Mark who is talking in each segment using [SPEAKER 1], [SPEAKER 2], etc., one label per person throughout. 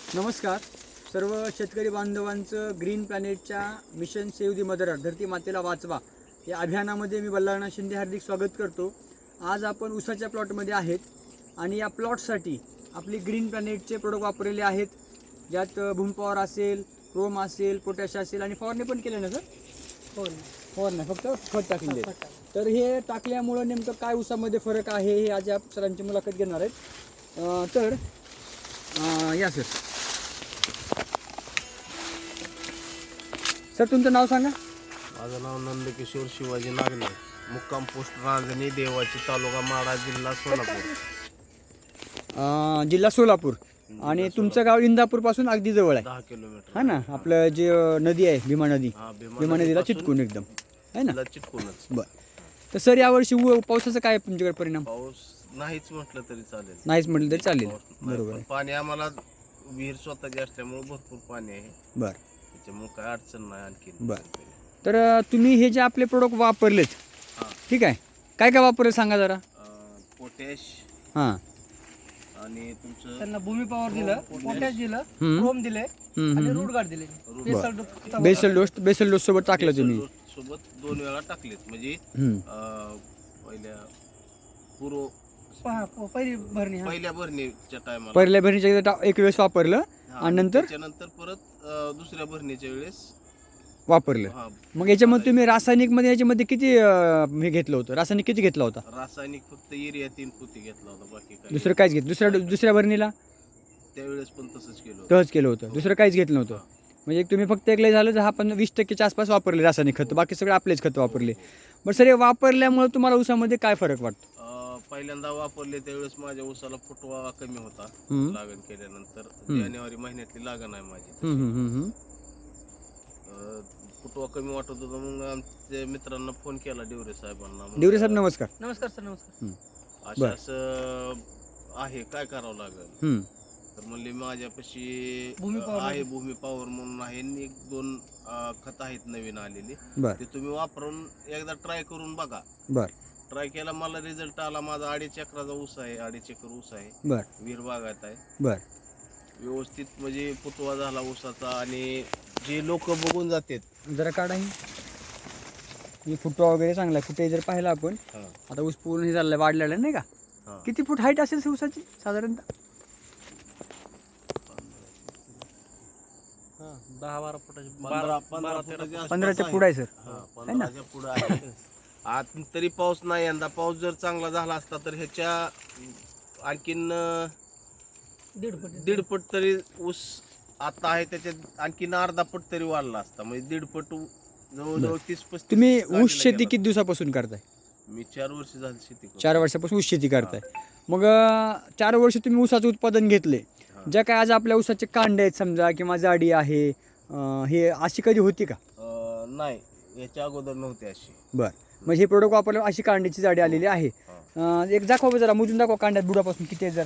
[SPEAKER 1] नमस्कार सर्व शेतकरी बांधवांचं ग्रीन प्लॅनेटच्या mission save the mother earth धरती मातेला वाचवा या अभियानामध्ये मी बल्लाळनाथ शिंदे हार्दिक स्वागत करतो। आज आपण ऊसाच्या प्लॉटमध्ये आहेत आणि या प्लॉटसाठी आपली ग्रीन प्लॅनेटचे प्रोडक्ट वापरलेले आहेत, ज्यात भूमपॉवर असेल, क्रोम असेल, पोटॅश असेल आणि फवारणी पण केले ना सर? फवारणी फक्त खत टाकले। तर हे टाकल्यामुळं नेमकं काय ऊसामध्ये फरक आहे हे आज आप सरांची मुलाखत घेणार आहेत। तर या सर तुमचं नाव सांगा।
[SPEAKER 2] माझं नाव नंदकिशोर शिवाजी नागणे, मुक्काम पोस्ट रांजणी देवाची, तालुका माडा, जिल्हा सोलापूर।
[SPEAKER 1] जिल्हा सोलापूर आणि तुमचं गाव इंदापूर पासून अगदी जवळ आहे,
[SPEAKER 2] 10 किलोमीटर
[SPEAKER 1] हा ना? आपलं जे नदी आहे भीमा नदी, भीमा नदीला चिटकून एकदम आहे ना?
[SPEAKER 2] चिटकूनच।
[SPEAKER 1] बरं, तर सर यावर्षी पावसाचा काय तुमच्याकडे परिणाम?
[SPEAKER 2] पाऊस नाहीच म्हटलं तरी चालेल,
[SPEAKER 1] नाहीच म्हटलं तरी चालेल, बरोबर आहे।
[SPEAKER 2] पाणी आम्हाला विहीर स्वतःची असल्यामुळे भरपूर पाणी आहे,
[SPEAKER 1] बरं,
[SPEAKER 2] त्याच्यामुळे काय अडचण नाही आणखी।
[SPEAKER 1] बरं, तर तुम्ही हे जे आपले प्रोडक्ट वापरलेत, ठीक आहे, काय काय वापरले सांगा जरा।
[SPEAKER 2] पोटॅश
[SPEAKER 1] हां
[SPEAKER 2] आणि तुमचं
[SPEAKER 3] त्यांना भूमी पॉवर दिलं, पोटॅश दिलं, क्रोम दिले आणि रूट गार्ड दिले,
[SPEAKER 1] बेसल डोस सोबत टाकलं तुम्ही
[SPEAKER 2] सोबत 2 वेळा टाकलेत, म्हणजे पहिल्या पूर्व
[SPEAKER 3] पहिली भरणी
[SPEAKER 2] पहिल्या भरणीच्या टायमाला,
[SPEAKER 1] पहिल्या भरणीच्या एक वेळेस वापरलं आणि नंतर
[SPEAKER 2] त्याच्यानंतर परत दुसऱ्या भरणीच्या वेळेस
[SPEAKER 1] वापरलं। मग याच्यामध्ये तुम्ही रासायनिकमध्ये याच्यामध्ये किती हे घेतलं होतं? रासायनिक किती घेतला होता?
[SPEAKER 2] रासायनिक फक्त युरिया 3 पोती घेतला होता, बाकी काही
[SPEAKER 1] दुसरं काहीच घेत? दुसऱ्या भरणीला
[SPEAKER 2] त्यावेळेस पण तसंच केलं होतं।
[SPEAKER 1] तहच केलं होतं, दुसरं काहीच घेतलं नव्हतं? म्हणजे तुम्ही फक्त एक लय झालं 10-20% आसपास वापरले रासायनिक खत, बाकी सगळे आपलेच खत वापरले। बरं सर, हे वापरल्यामुळे तुम्हाला ऊसामध्ये काय फरक वाटतो?
[SPEAKER 2] पहिल्यांदा वापरले त्यावेळेस माझ्या ऊसाला फुटवा कमी होता, लागण केल्यानंतर जानेवारी महिन्यातली लागण आहे माझी, फुटवा कमी वाटत होता। मग आमच्या मित्रांना फोन केला, डिवरे साहेबांना।
[SPEAKER 1] डिवरे साहेब नमस्कार।
[SPEAKER 3] नमस्कार सर, नमस्कार।
[SPEAKER 2] असं आहे, काय करावं लागेल? तर म्हणले माझ्यापाशी आहे भूमी पॉवर म्हणून आहे, 1-2 खत आहेत नवीन आलेली, ते तुम्ही वापरून एकदा ट्राय करून बघा।
[SPEAKER 1] बरं,
[SPEAKER 2] ट्राय केला, मला रिझल्ट आला। माझा 2.5 एकराचा ऊस आहे, 2.5 एकर ऊस आहे,
[SPEAKER 1] बरं,
[SPEAKER 2] विहीर बागायत आहे,
[SPEAKER 1] बरं,
[SPEAKER 2] व्यवस्थित म्हणजे फुटवा झाला ऊसाचा। आणि जे लोक बघून जातात,
[SPEAKER 1] जरा काढा ही फुटवा वगैरे चांगला आहे। कुठे जर पाहिलं आपण, आता ऊस पूर्ण हे झालेला वाढलेला नाही का? किती फूट हाईट असेल ऊसाची साधारणतः?
[SPEAKER 3] 10-12 फुटाची,
[SPEAKER 1] 15च्या पुढे आहे सर,
[SPEAKER 2] 15च्या पुढे आहे। आत तरी पाऊस नाही यंदा। पाऊस जर चांगला झाला असता तर ह्याच्या आणखीन 1.5 पट तरी ऊस आता आहे, त्याच्यात आणखीन अर्धा पट तरी वाढला असता, म्हणजे 1.5 पट, जवळजवळ 30-35।
[SPEAKER 1] तुम्ही ऊस शेती किती दिवसापासून करताय?
[SPEAKER 2] मी 4 वर्ष झाली शेती करतो।
[SPEAKER 1] 4 वर्षापासून ऊस शेती करताय। मग 4 वर्ष तुम्ही ऊसाचं उत्पादन घेतले, ज्या काय आज आपल्या ऊसाचे कांडे आहेत समजा किंवा जाडी आहे, हे अशी कधी होती का?
[SPEAKER 2] नाही, याच्या अगोदर नव्हती अशी।
[SPEAKER 1] बरं, मग हे प्रोडक्ट वापरल्यावर अशी कांड्याची जाडी आलेली आहे। एक दाखवा जरा, मोजून दाखवा कांड्यात बुडापासून किती आहे जरा।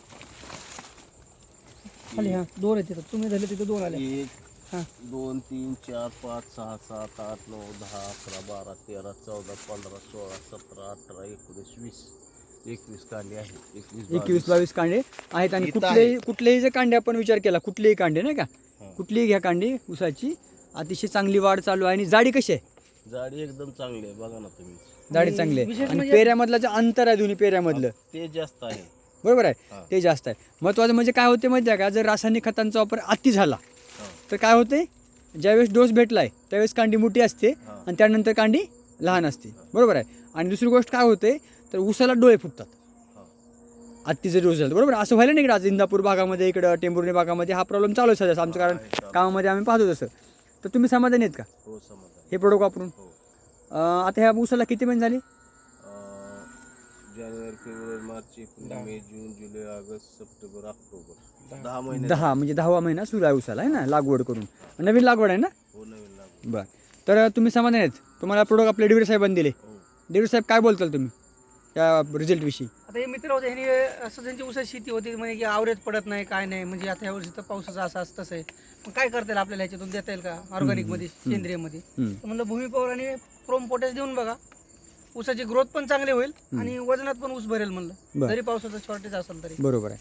[SPEAKER 3] खाली 2 आहेत तिथं, तुम्ही झाले तिथं 2 आले।
[SPEAKER 2] 1 2 3 4 5 6 7 8 9 10 11 12 13 14 15 16 17 18 19 20 कांडे आहेत,
[SPEAKER 1] 21-22 कांडे आहेत। आणि कुठलेही जे कांडे आपण विचार केला, कुठलेही कांडे नाही का, कुठलीही घ्या कांडे ऊसाची अतिशय चांगली वाढ चालू आहे। आणि जाडी कशी आहे?
[SPEAKER 2] जाडी एकदम चांगली आहे, बघा ना तुम्ही,
[SPEAKER 1] जाडी चांगली आहे। आणि पेऱ्यामधलं जे अंतर आहे दोन्ही पेऱ्यामधलं,
[SPEAKER 2] ते जास्त आहे,
[SPEAKER 1] बरोबर आहे, ते जास्त आहे। महत्त्वाचं म्हणजे काय होते माहिती आहे का, जर रासायनिक खतांचा वापर अति झाला तर काय होते, ज्यावेळेस डोस भेटलाय त्यावेळेस कांडी मोठी असते आणि त्यानंतर कांडी लहान असते, बरोबर आहे। आणि दुसरी गोष्ट काय होते, तर ऊसाला डोळे फुटतात अति जर डोस झाला, बरोबर। असं व्हायला नाही, आज इंदापूर भागामध्ये, इकडं टेंभुर्णी भागामध्ये हा प्रॉब्लेम चालू आहे सध्या आमचं, कारण कामामध्ये आम्ही पाहतो तसं। तर तुम्ही समाधानी आहेत का
[SPEAKER 2] हो? समाधान,
[SPEAKER 1] हे प्रोडक्ट वापरून? आता ह्या ऊसाला किती महिने झाले?
[SPEAKER 2] जानेवारी, फेब्रुवारी, मार्च, एप्रिल, मे, जून, जुलै, ऑगस्ट, सप्टेंबर, ऑक्टोबर, 10 महिने।
[SPEAKER 1] 10 म्हणजे 10वा महिना सुरू आहे ऊसाला, आहे ना, लागवड करून? नवीन लागवड आहे ना?
[SPEAKER 2] हो, नवीन लागवड।
[SPEAKER 1] बरं, तर तुम्ही समाधानी आहेत? तुम्हाला प्रोडक्ट आपले डिवरे साहेबांनी दिले, डिवरे साहेब काय बोलताल तुम्ही त्या रिझल्ट विषी?
[SPEAKER 3] आता हे मित्र होते, ह्यांनी असं त्यांची ऊसाची शेती होती, म्हणजे की आवरेज पडत नाही, काय नाही, म्हणजे आता ह्या वर्षी तर पावसाचं असं तसं आहे, मग काय करता येईल आपल्याला, ह्याच्यातून देता येईल का ऑर्गॅनिक मध्ये, सेंद्रिय मध्ये? तर म्हणलं भूमी पॉवर आणि क्रोम पोटॅश देऊन बघा, ऊसाची ग्रोथ पण चांगली होईल आणि वजनात पण ऊस भरेल म्हणलं, जरी पावसाचं शॉर्टेज असेल तरी।
[SPEAKER 1] बरोबर आहे।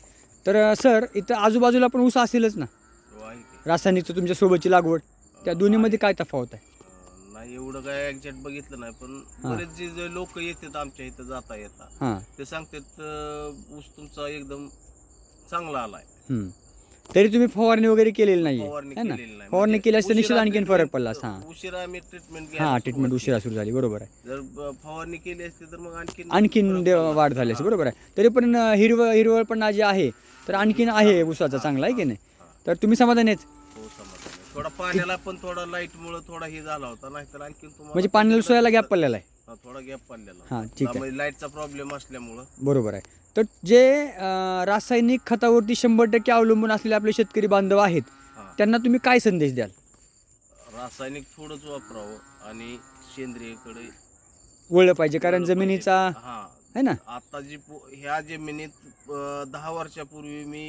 [SPEAKER 1] तर सर इथं आजूबाजूला पण ऊस असेलच ना,
[SPEAKER 2] हो, आहे की.
[SPEAKER 1] रासायनिकचं तुमच्या सोबतची लागवड, त्या दोन्हीमध्ये काय तफावत आहे?
[SPEAKER 2] नाही एवढं काय एक्झॅक्ट बघितलं नाही, पण
[SPEAKER 1] हा.
[SPEAKER 2] बरेच जे लोक येतात आमच्या इथं जाता येता
[SPEAKER 1] हां.
[SPEAKER 2] ते सांगतात ऊस तुमचा एकदम चांगला आलाय.
[SPEAKER 1] तरी तुम्ही फवारणी वगैरे केलेली नाही
[SPEAKER 2] फवारणी
[SPEAKER 1] आहे ना?
[SPEAKER 2] केलेली नाही.
[SPEAKER 1] फवारणी
[SPEAKER 2] म्हणजे
[SPEAKER 1] केली असते निश्चित
[SPEAKER 2] उशिरा
[SPEAKER 1] आणखीन फरक
[SPEAKER 2] treatment-
[SPEAKER 1] पडला असता.
[SPEAKER 2] उशिरा आम्ही ट्रीटमेंट
[SPEAKER 1] हां, ट्रीटमेंट उशिरा सुरू झाली, बरोबर आहे.
[SPEAKER 2] जर फवारणी केली असती तर मग आणखीन
[SPEAKER 1] आणखीन
[SPEAKER 2] फरक पडला.
[SPEAKER 1] वाढ झाली असते, बरोबर आहे. तरी पण हिरवळपणा जे आहे तर आणखीन आहे ऊसाचा चांगला आहे की नाही? तर तुम्ही समाधानी आहेत?
[SPEAKER 2] हो, समाधान आहे. थोडा पाण्याला पण थोडा लाईट मुळे थोडा हे झाला होता, नाहीतर आणखीन तुम्हाला
[SPEAKER 1] म्हणजे पाण्याला सोयाला गॅप पडलेला आहे.
[SPEAKER 2] हा, थोडा गॅप पडलेला.
[SPEAKER 1] हां, ठीक आहे,
[SPEAKER 2] त्यामुळे लाईटचा प्रॉब्लेम असल्यामुळं
[SPEAKER 1] बरोबर आहे. तर जे रासायनिक खतावरती 100% अवलंबून असलेले आपले शेतकरी बांधव आहेत
[SPEAKER 2] हा,
[SPEAKER 1] त्यांना तुम्ही काय संदेश द्याल?
[SPEAKER 2] रासायनिक थोडंच वापरावं आणि सेंद्रियकडे
[SPEAKER 1] वळलं पाहिजे, कारण
[SPEAKER 2] वळलं
[SPEAKER 1] जमिनीचा
[SPEAKER 2] पाहिजे. हा,
[SPEAKER 1] आहे ना.
[SPEAKER 2] आता जी ह्या जमिनीत 10 वर्षापूर्वी मी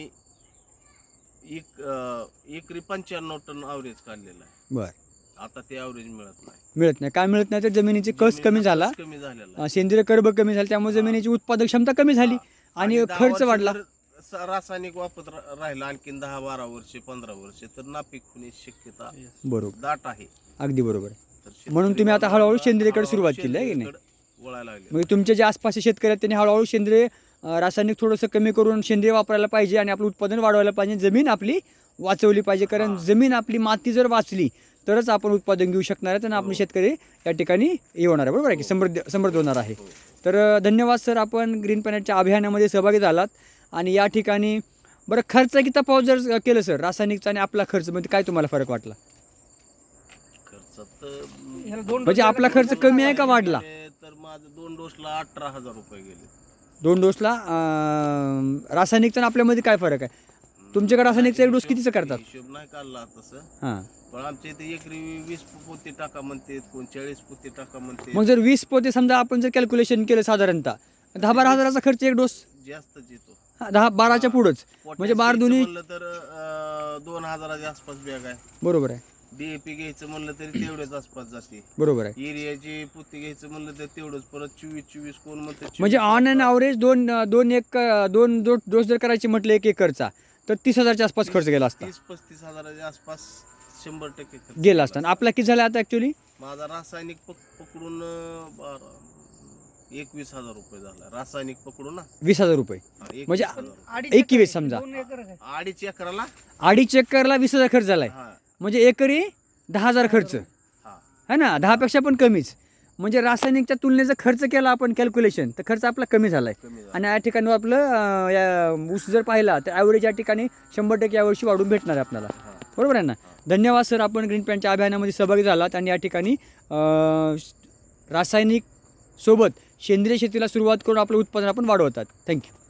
[SPEAKER 2] एकरी 95 टन ॲव्हरेज काढलेला आहे.
[SPEAKER 1] बर,
[SPEAKER 2] आता ते ॲव्हरेज मिळत नाही.
[SPEAKER 1] मिळत नाही. काय मिळत नाही तर जमिनीची कस कमी झाला,
[SPEAKER 2] कमी झालेला आहे.
[SPEAKER 1] सेंद्रिय कर्ब कमी झाला, त्यामुळे जमिनीची उत्पादक क्षमता कमी झाली
[SPEAKER 2] हा.
[SPEAKER 1] आणि
[SPEAKER 2] 10
[SPEAKER 1] खर्च
[SPEAKER 2] वर्ष
[SPEAKER 1] वाढला.
[SPEAKER 2] जर रासायनिक वापरत राहिला आणखीन 10-12 वर्षे 15 वर्षे तर नापीक होण्याची शक्यता
[SPEAKER 1] बरोबर,
[SPEAKER 2] दाट आहे.
[SPEAKER 1] अगदी बरोबर आहे.
[SPEAKER 2] तर
[SPEAKER 1] म्हणून
[SPEAKER 2] शेतकरी
[SPEAKER 1] तुम्ही आता हळूहळू
[SPEAKER 2] बांधवांना
[SPEAKER 1] सेंद्रियकडे
[SPEAKER 2] हळूहळू
[SPEAKER 1] सुरुवात केली आहे की नाही?
[SPEAKER 2] सेंद्रियकडे वळायला लागले.
[SPEAKER 1] म्हणजे तुमचे जे आसपासचे शेतकरी आहेत त्यांनी हळूहळू सेंद्रिय रासायनिक थोडंसं कमी करून सेंद्रिय वापरायला पाहिजे आणि आपलं उत्पादन वाढवायला पाहिजे, जमीन आपली वाचवली पाहिजे. कारण
[SPEAKER 2] हा.
[SPEAKER 1] जमीन आपली, माती जर वाचली तरच आपण उत्पादन घेऊ शकणार आहे आणि आपले शेतकरी या ठिकाणी हे होणार आहे, बरोबर आहे की समृद्ध होणार आहे.
[SPEAKER 2] हो.
[SPEAKER 1] तर धन्यवाद सर, आपण ग्रीन प्लॅनेटच्या अभियानामध्ये सहभागी झालात. आणि या ठिकाणी बरं खर्च किती तफावत जर केलं सर, रासायनिकचा आणि आपला खर्च मध्ये काय तुम्हाला फरक वाटला?
[SPEAKER 2] खर्चात
[SPEAKER 3] ह्याला 2
[SPEAKER 1] म्हणजे आपला खर्च कमी आहे का वाढला?
[SPEAKER 2] तर माझं 2 डोसला 18,000 रुपये गेले.
[SPEAKER 1] 2 डोसला रासायनिकचा आणि आपल्यामध्ये काय फरक आहे? तुमच्याकडे रासायनिकचा एक डोस कितीचं करतात?
[SPEAKER 2] हिशोब नाही काढला तसं,
[SPEAKER 1] हां,
[SPEAKER 2] पण आमच्या इथे एकरी 20 पोते टाका म्हणते, कोण 40 पोते टाका म्हणते.
[SPEAKER 1] मग जर 20 पोते समजा आपण जर कॅल्क्युलेशन केलं साधारणतः 10-12 हजाराचा खर्च एक डोस,
[SPEAKER 2] जास्तच येतो.
[SPEAKER 1] 10-12च्या पुढंच, म्हणजे 12 दोन्ही,
[SPEAKER 2] म्हणलं तर 2,000च्या आसपास बॅग आहे.
[SPEAKER 1] बरोबर आहे,
[SPEAKER 2] डीएपी घ्यायचं म्हणलं तरी तेवढ्याच आसपास जाते.
[SPEAKER 1] बरोबर आहे.
[SPEAKER 2] एरियाची पोती घ्यायचं म्हणलं तर तेवढंच, परत 24 कोण म्हणते 24.
[SPEAKER 1] म्हणजे ऑन अँड ॲव्हरेज दोन डोस जर करायची म्हटलं 1 एकरचा तर 30,000च्या आसपास खर्च गेला असता,
[SPEAKER 2] 30-35 हजाराच्या आसपास 100% खर्च
[SPEAKER 1] गेला असता. आणि आपला किती झाला आता ॲक्च्युली?
[SPEAKER 2] माझा रासायनिक पकडून 21,000 रुपये झाला. रासायनिक पकडून ना
[SPEAKER 1] 20,000 रुपये,
[SPEAKER 2] हा, 21,000
[SPEAKER 1] म्हणजे
[SPEAKER 2] रुपये.
[SPEAKER 1] 21 समजा.
[SPEAKER 3] 2 एकर आहे.
[SPEAKER 2] 2.5 एकराला
[SPEAKER 1] 2.5 एकरला 20,000 खर्च झालाय,
[SPEAKER 2] हा,
[SPEAKER 1] म्हणजे एकरी 10,000 खर्च
[SPEAKER 2] हा.
[SPEAKER 1] है ना, 10पेक्षा पण कमीच. म्हणजे रासायनिकच्या तुलनेचा खर्च केला आपण कॅल्क्युलेशन तर खर्च आपला कमी झाला आहे.
[SPEAKER 2] कमी झाला.
[SPEAKER 1] आणि या ठिकाणी आपलं ऊस जर पाहिला तर ॲव्हरेज या ठिकाणी 100% यावर्षी वाढून भेटणार आहे आपल्याला,
[SPEAKER 2] हा.
[SPEAKER 1] बरोबर आहे ना. धन्यवाद सर, आपण ग्रीन प्लॅनच्या अभियानामध्ये सहभागी झालात आणि या ठिकाणी रासायनिक सोबत सेंद्रिय शेतीला सुरुवात करून आपलं उत्पादन आपण वाढवतात. थँक्यू.